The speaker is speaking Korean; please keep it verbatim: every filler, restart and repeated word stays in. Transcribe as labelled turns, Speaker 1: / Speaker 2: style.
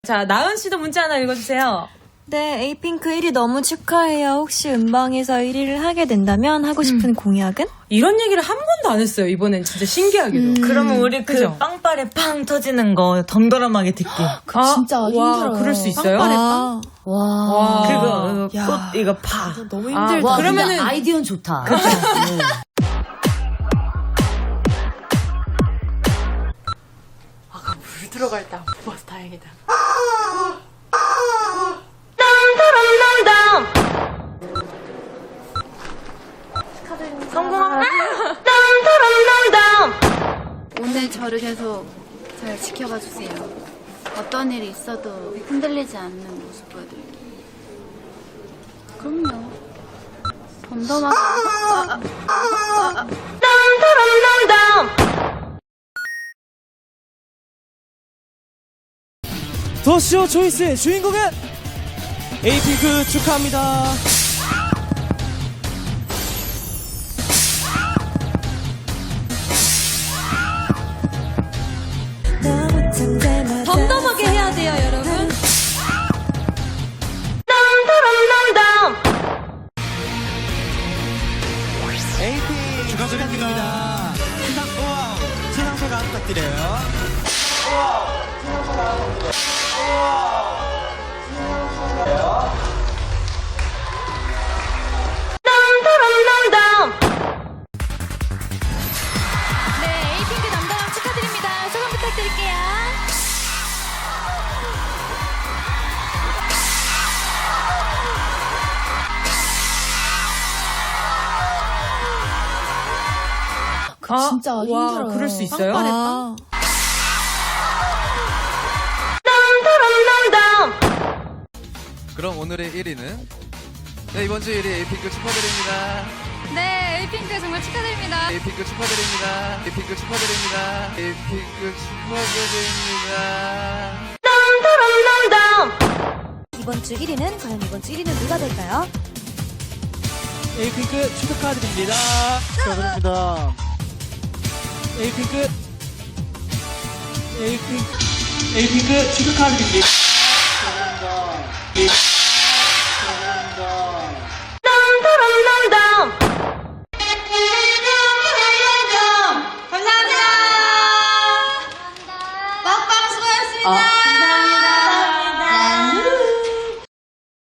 Speaker 1: 자, 나은 씨도 문자 하나 읽어주세요.
Speaker 2: 네, 에이핑크 일 위 너무 축하해요. 혹시 음방에서 일 위를 하게 된다면 하고 싶은 음. 공약은?
Speaker 1: 이런 얘기를 한 번도 안 했어요. 이번엔 진짜 신기하게도.
Speaker 3: 음. 그러면 우리 그
Speaker 1: 그죠?
Speaker 3: 빵빠레 팡 터지는 거 덤덤하게 듣기.
Speaker 2: 그 진짜
Speaker 1: 아,
Speaker 2: 힘들어요.
Speaker 1: 와, 그럴 수 있어요?
Speaker 2: 빵빠레 빵?
Speaker 3: 와.
Speaker 1: 와.
Speaker 3: 그거
Speaker 2: 야.
Speaker 3: 꽃 이거 파.
Speaker 2: 너무
Speaker 1: 아,
Speaker 2: 힘들다.
Speaker 1: 와, 그러면은
Speaker 4: 아이디어는 좋다.
Speaker 1: 그쵸.
Speaker 2: 아까 물 들어갈 때 안 뽑아서 다행이다.
Speaker 5: 오늘 저를 계속 잘 지켜봐 주세요. 어떤 일이 있어도 흔들리지 않는 모습 보여드릴게요. 그럼요. 덤덤하게. 아, 아, 아,
Speaker 6: 더쇼 초이스의 주인공은 에이핑크 축하합니다.
Speaker 2: 덤덤하게 해야 돼요, 여러분.
Speaker 6: 에이핑크 축하드립니다. 세상 우와 세상 소감 부탁드려요.
Speaker 2: 네, 에이핑크 덤덤함 축하드립니다. 소감 부탁드릴게요. 그
Speaker 1: 아,
Speaker 2: 진짜
Speaker 1: 와,
Speaker 2: 힘들어요.
Speaker 1: 그럴 수 있어요?
Speaker 2: 빵빠레
Speaker 1: 아.
Speaker 2: 빵?
Speaker 7: 그럼 오늘의 일 위는 네, 이번 주 일 위 에이핑크 축하드립니다.
Speaker 5: 네, 에이핑크 정말 축하드립니다.
Speaker 7: 에이핑크 축하드립니다. 에이핑크 축하드립니다. 에이핑크 축하드립니다.
Speaker 2: 이번 주 일 위는 과연 이번 주 일 위는 누가 될까요?
Speaker 6: 에이핑크 축하드립니다. 축하드립니다. 에이핑크 에이핑크 에이핑크 축하드립니다. 축하드립니다.